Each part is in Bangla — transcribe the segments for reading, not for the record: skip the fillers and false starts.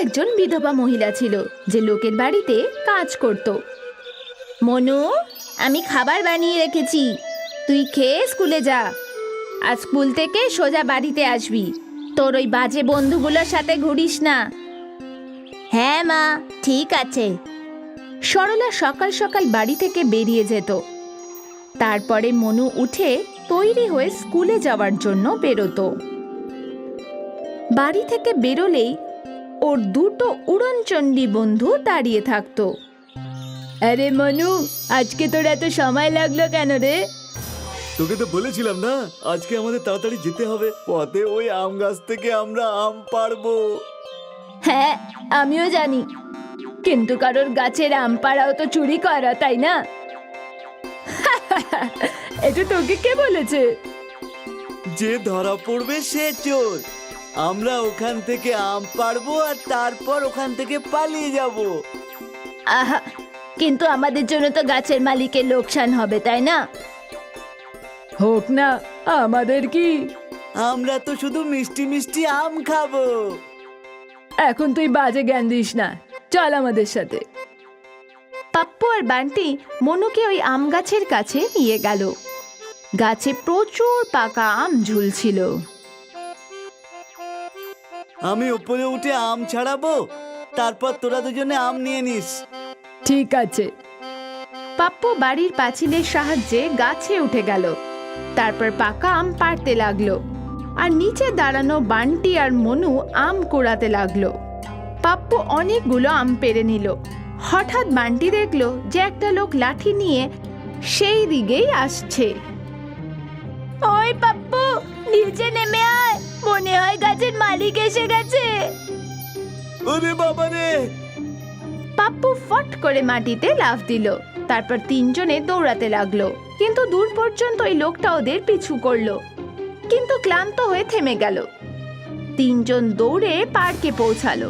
একজন বিধবা মহিলা ছিল যে লোকের বাড়িতে কাজ করত। মনু, আমি খাবার বানিয়ে রেখেছি, তুই খেয়ে স্কুলে যা। আর স্কুল থেকে সোজা বাড়িতে আসবি, তোর ওই বাজে বন্ধুগুলোর সাথে ঘুরিস না। হ্যাঁ মা, ঠিক আছে। সরলা সকাল সকাল বাড়ি থেকে বেরিয়ে যেত। তারপরে মনু উঠে তৈরি হয়ে স্কুলে যাওয়ার জন্য বেরোতো। বাড়ি থেকে বেরোলেই ওর দুটো উড়নচণ্ডী বন্ধু দাঁড়িয়ে থাকতো। আরে মনু, আজকে তোর এত সময় লাগলো কেন রে? তোকে তো বলেছিলাম না, আজকে আমাদের তাড়াতাড়ি যেতে হবে, পথে ওই আম গাছ থেকে আমরা আম পাড়বো। হ্যাঁ, আমিও জানি, কিন্তু কারোর গাছের আম পাড়াও তো চুরি করা, তাই না? এটা তোকে কে বলেছে? যে ধরা পড়বে সে চোর। আমরা ওখান থেকে আম পাড়বো আর তারপর ওখান থেকে পালিয়ে যাব। আহা, কিন্তু আমাদের জন্য তো গাছের মালিকের লোকসান হবে, তাই না? হোক না, আমাদের কি? আমরা তো শুধু মিষ্টি মিষ্টি আম খাবো। এখন তুই বাজে জ্ঞান দিস না, চল আমাদের সাথে। পাপ্পু আর বান্টি মনুকে ওই আম গাছের কাছে নিয়ে গেল। গাছে প্রচুর পাকা আম ঝুলছিল। আমি উপরে উঠে আম ছাড়াবো, তারপর তোরা দুজনে আম নিয়ে নিস। ঠিক আছে। পাপ্পু বাড়ির পাঁচিলের সাহায্যে গাছে উঠে গেল, তারপর পাকা আম পাড়তে লাগলো, আর নিচে দাঁড়ানো বান্টি আর মনু আম কুড়াতে লাগলো। পাপ্পু অনেকগুলো আম পেড়ে নিল। হঠাৎ বান্টি দেখলো যে একটা লোক লাঠি নিয়ে সেই দিকেই আসছে। ওই পাপ্পু, নিচে নেমে আয়, মনে হয় গাছের মালিক এসে গেছে। ওরে বাবা রে! পাপ্পু ফট করে মাটিতে লাফ দিল। তারপর তিনজনে দৌড়াতে লাগলো, কিন্তু দূর পর্যন্ত ওই লোকটা ওদের পিছু করলো, কিন্তু ক্লান্ত হয়ে থেমে গেল। তিনজন দৌড়ে পার্কে পৌঁছালো।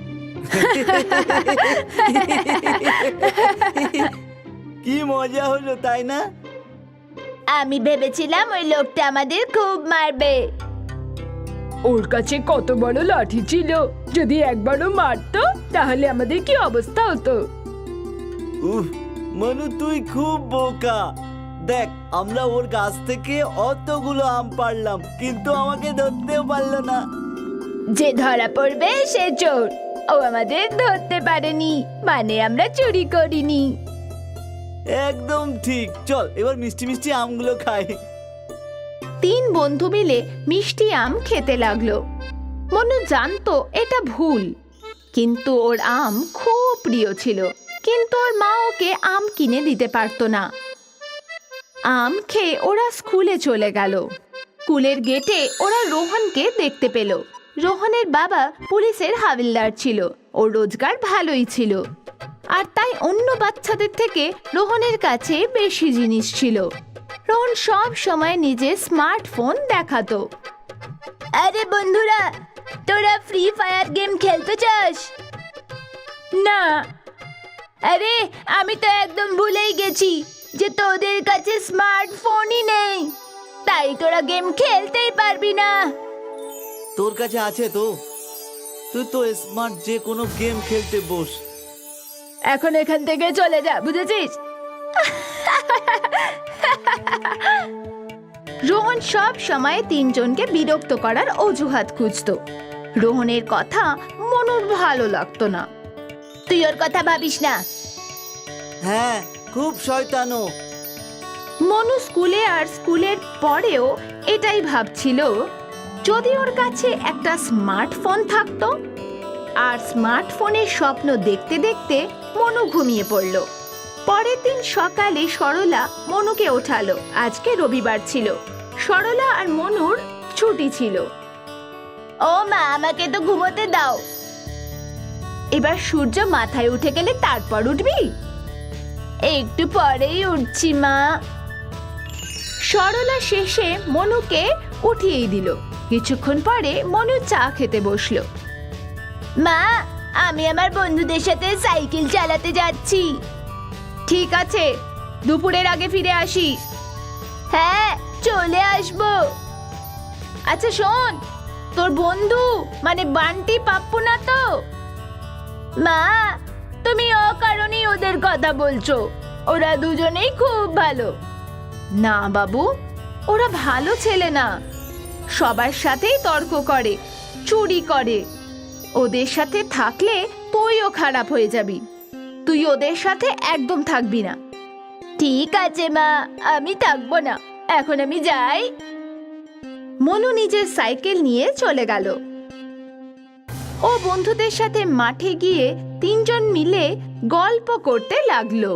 কি মজা হলো, তাই না? আমি ভেবেছিলাম ওই লোকটা আমাদের খুব মারবে। ওর কাছে কত বড় লাঠি ছিল, যদি একবারও মারতো তাহলে আমাদের কি অবস্থা হতো। উফ, মনু তুই খুব বোকা। দেখ, আমরা ওর গাছ থেকে অতগুলো আম পাড়লাম, কিন্তু আমাকে ধরতেও পারলো না। যে ধরা পড়বে সে চোর, ও আমাদের ধরতে পারেনি, মানে আমরা চুরি করিনি। একদম ঠিক। চল এবার মিষ্টি মিষ্টি আমগুলো খাই। তিন বন্ধু মিলে মিষ্টি আম খেতে লাগলো। মনু জানতো এটা ভুল, কিন্তু ওর আম খুব প্রিয় ছিল, কিন্তু ওর মা ওকে আম কিনে দিতে পারতো না। আম খেয়ে ওরা স্কুলে চলে গেল। স্কুলের গেটে ওরা রোহনকে দেখতে পেল। রোহনের বাবা পুলিশের হাবিলদার ছিল, ওর রোজগার ভালোই ছিল, আর তাই অন্য বাচ্চাদের থেকে রোহনের কাছে বেশি জিনিস ছিল। রোহন সব সময় নিজের স্মার্টফোন দেখাতো। আরে বন্ধুরা, তোরা ফ্রি ফায়ার গেম খেলতে চাস? না। আরে আমি তো একদম ভুলেই গেছি যে তোদের কাছে স্মার্টফোনই নেই, তাই তোরা গেম খেলতেই পারবি না। তোর কাছে আছে তো, তুই তো স্মার্ট, যে কোনো গেম খেলতে বস। এখন এখান থেকে চলে যা, বুঝেছিস? রোহন সব সময় তিনজনকে বিরক্ত করার অজুহাত খুঁজতো। রোহনের কথা মনুর ভালো লাগতো না। তুই ওর কথা ভাবিস না। হ্যাঁ, খুব শয়তানো। মনু স্কুলে আর স্কুলের পরেও এটাই ভাবছিল, যদি ওর কাছে একটা স্মার্টফোন থাকতো। আর স্মার্টফোনের স্বপ্ন দেখতে দেখতে মনু ঘুমিয়ে পড়ল। পরের দিন সকালে সরলা মনুকে ওঠালো। আজকে রবিবার ছিল, সরলা আর মনুর ছুটি ছিল। ও মা, আমাকে তো ঘুমোতে দাও। এবার সূর্য মাথায় উঠে গেলে তারপর উঠবি? একটু পরেই উঠছি মা। সরলা শেষে মনুকে উঠিয়েই দিল। কিছুক্ষণ পরে মনু চা খেতে বসলো। মা, আমি আমার বন্ধুদের সাথে সাইকেল চালাতে যাচ্ছি। ঠিক আছে, দুপুরের আগে ফিরে আসিস। হ্যাঁ, চলে আসবো। আচ্ছা শোন, তোর বন্ধু মানে বান্টি পাপ্পু না তো? মা, তুমি অকারণেই ওদের কথা বলছো। ওরা দুজনেই খুব ভালো। না বাবু, ওরা ভালো ছেলে না। সবার সাথেই তর্ক করে, চুরি করে। ওদের সাথে থাকলে তুইও খারাপ হয়ে যাবি। তুই ওদের সাথে একদম থাকবি না। ঠিক আছে মা, আমি থাকবো না। এখন আমি যাই। মনু নিজের সাইকেল নিয়ে চলে গেল। ও বন্ধুদের সাথে মাঠে গিয়ে তিনজন মিলে গল্প করতে লাগলো।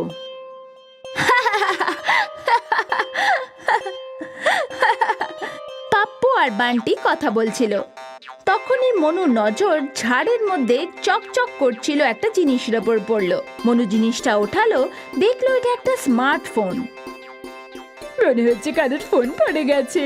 পাপ্পু আর বান্টি কথা বলছিল। তখনই মনু নজর ঝাড়ের মধ্যে চকচক করছিল একটা জিনিসের ওপর পড়লো। মনু জিনিসটা ওঠালো, দেখলো এটা একটা স্মার্টফোন। মনে হচ্ছে কাদের ফোন পড়ে গেছে।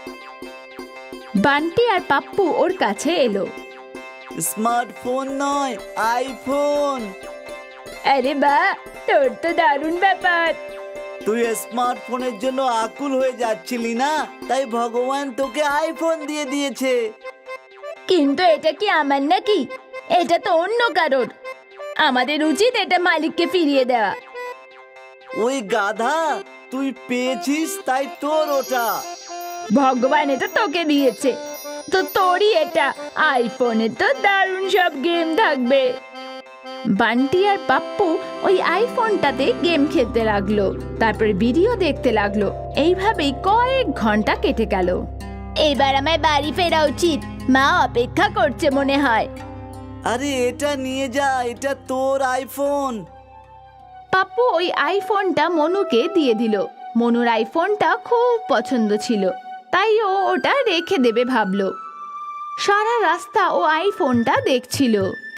বান্টি আর পাপ্পু ওর কাছে এলো। স্মার্টফোন নয়, আইফোন। আরে বা, তোর তো দারুণ ব্যাপার। তুই স্মার্টফোনের জন্য আকুল হয়ে যাচ্ছিলি না, তাই ভগবান তোকে আইফোন দিয়ে দিয়েছে। কিন্তু এটা কি আমার নাকি? এটা তো অন্য কারোর। আমাদের উচিত এটা মালিককে ফিরিয়ে দেওয়া। ওই গাধা, তুই পেয়েছিস তাই তোর ওটা। ভগবান এটা তোকে দিয়েছে, তো তোরই এটা। আইফোনে তো দারুণ সব গেম থাকবে। বান্টি আর পাপ্পু ওই আইফোনটাতে গেম খেলতে লাগলো, তারপরে ভিডিও দেখতে লাগলো। এইভাবেই কয়েক ঘন্টা কেটে গেল। এবার আমায় বাড়ি ফেরা উচিত, মা অপেক্ষা করছে মনে হয়। আরে এটা নিয়ে যা, এটা তোর আইফোন। পাপ্পু ওই আইফোনটা মনুকে দিয়ে দিল। মনুর আইফোনটা খুব পছন্দ ছিল, তাই ও ওটা রেখে দেবে ভাবলো। সারা রাস্তা ও আইফোনটা দেখছিল।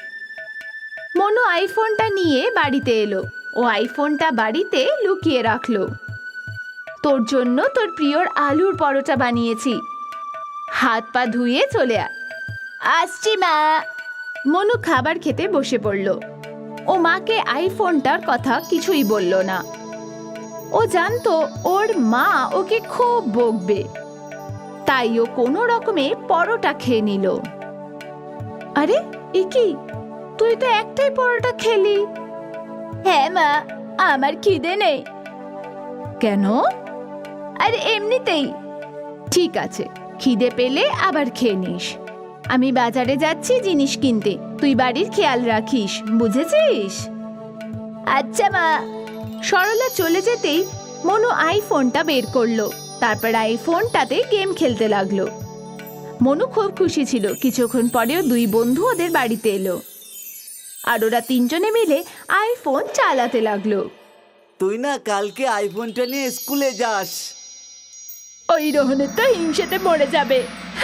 মনু আইফোনটা নিয়ে বাড়িতে এলো। ও আইফোনটা বাড়িতে লুকিয়ে রাখলো। তোর জন্য তোর প্রিয়র আলুর পরোটা বানিয়েছি, হাত পা ধুয়ে চলে আসছি মা। মনু খাবার খেতে বসে পড়ল। ও মাকে আইফোনটার কথা কিছুই বলল না। ও জানতো ওর মা ওকে খুব বকবে, তাই ও কোনো রকমে পরোটা খেয়ে নিল। আরে এ কি, তুই তো একটাই পরোটা খেলি। হ্যাঁ মা, আমার খিদে নেই। কেন? আরে এমনিতেই। ঠিক আছে, খিদে পেলে আবার খেয়ে নিস। আমি বাজারে যাচ্ছি জিনিস কিনতে, তুই বাড়ির খেয়াল রাখিস, বুঝেছিস? আচ্ছা মা। সরলা চলে যেতেই মনু আইফোনটা বের করলো। তারপর আইফোনটাতে গেম খেলতে লাগলো। মনু খুব খুশি ছিল। কিছুক্ষণ পরেও দুই বন্ধু ওদের বাড়িতে এলো, আর ওরা তিনজনে মিলে আইফোন চালাতে লাগলো। তুই না কালকে আইফোনটা নিয়ে স্কুলে যাস। ওই রোহনের তো হিংসেতে মরে যাবে।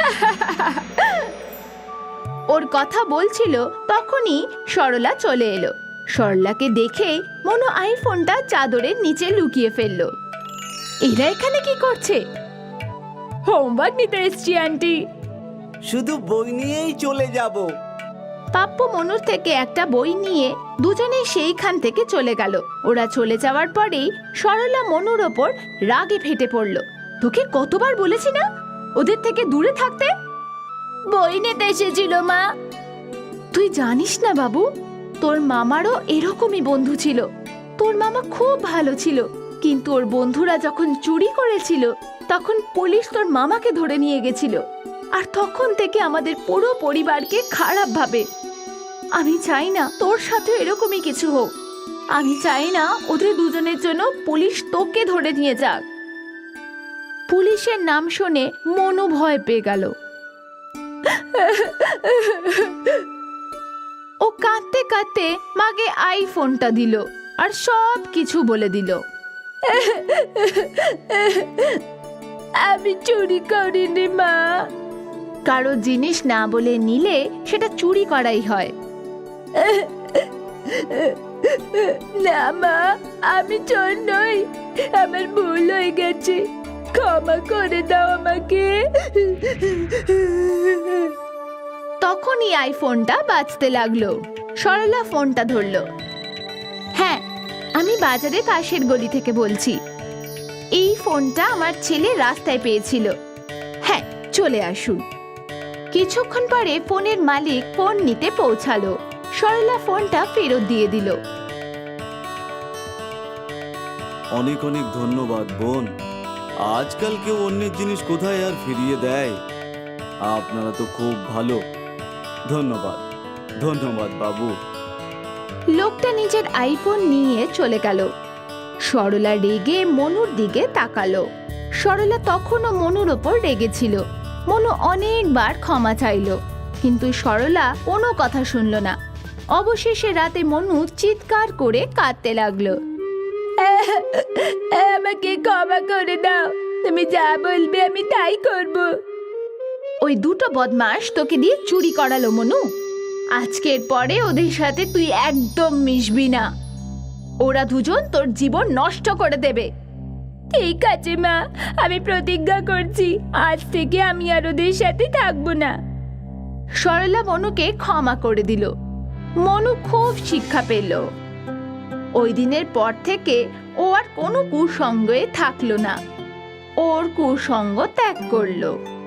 ওর কথা বলছিল, তখনই সরলা চলে এলো। সরলাকে দেখে মনু আইফোনটা চাদরের নিচে লুকিয়ে ফেললো। এরা এখানে কি করছে? হোমওয়ার্ক নিতে এসছি আন্টি। শুধু বই নিয়েই চলে যাব। পাপ্পু মনুর থেকে একটা বই নিয়ে দুজনে সেইখান থেকে চলে গেল। ওরা চলে যাওয়ার পরেই সরলা মনুর ওপর রাগে ফেটে পড়ল। তোকে কতবার বলেছি না ওদের থেকে দূরে থাকতে? বই নিতে এসেছিল মা। তুই জানিস না বাবু, তোর মামারও এরকমই বন্ধু ছিল। তোর মামা খুব ভালো ছিল, কিন্তু ওর বন্ধুরা যখন চুরি করেছিল তখন পুলিশ তোর মামাকে ধরে নিয়ে গেছিল, আর তখন থেকে আমাদের পুরো পরিবারকে খারাপ ভাবে। আমি চাই না তোর সাথে এরকমই কিছু হোক। আমি চাই না ওদের দুজনের জন্য পুলিশ তোকে ধরে নিয়ে যাক। পুলিশের নাম শুনে মনু ভয় পেয়ে গেল। ও কাঁদতে কাঁদতে মাকে আইফোনটা দিল আর সব কিছু বলে দিল। আমি চুরি করিনি মা। কারো জিনিস না বলে নিলে সেটা চুরি করাই হয়। না মা, আমি চোর নই, আমার ভুল হয়ে গেছে, ক্ষমা করে দাও আমাকে। তখনই আইফোনটা বাজতে লাগলো। সরলা ফোনটা ধরলো। হ্যাঁ, আমি বাজারে পাশের গলি থেকে বলছি। এই ফোনটা আমার ছেলে রাস্তায় পেয়েছিল। হ্যাঁ, চলে আসুন। কিছুক্ষণ পরে ফোনের মালিক ফোন নিতে পৌঁছালো। সরলা ফোনটা ফেরত দিয়ে দিল। অনেক অনেক ধন্যবাদ বোন। আজকাল কেউ অন্যের জিনিস কোথায় আর ফিরিয়ে দেয়? আপনারা তো খুব ভালো। ধন্যবাদ, ধন্যবাদ বাবু। লোকটা নিজের আইফোন নিয়ে চলে গেল। সরলা রেগে মনুর দিকে তাকালো। সরলা তখনও মনুর ওপর রেগেছিল। মনু অনেকবার ক্ষমা চাইলো, কিন্তু সরলা কোনো কথা শুনল না। অবশেষে রাতে মনু চিৎকার করে কাঁদতে লাগলো। আমাকে ক্ষমা করে দাও, তুমি যা বলবে আমি তাই করব। ওই দুটো বদমাশ তোকে দিয়ে চুরি করালো মনু। আজকের পরে ওদের সাথে তুই একদম মিশবি না। ওরা দুজন তোর জীবন নষ্ট করে দেবে। ঠিক আছে মা, আমি প্রতিজ্ঞা করছি আজ থেকে আমি আর ওদের সাথে থাকবো না। সরলা মনুকে ক্ষমা করে দিল। মনু খুব শিক্ষা পেল। ওই দিনের পর থেকে ও আর কোনো কুসঙ্গে থাকলো না, ওর কুসঙ্গ ত্যাগ করলো।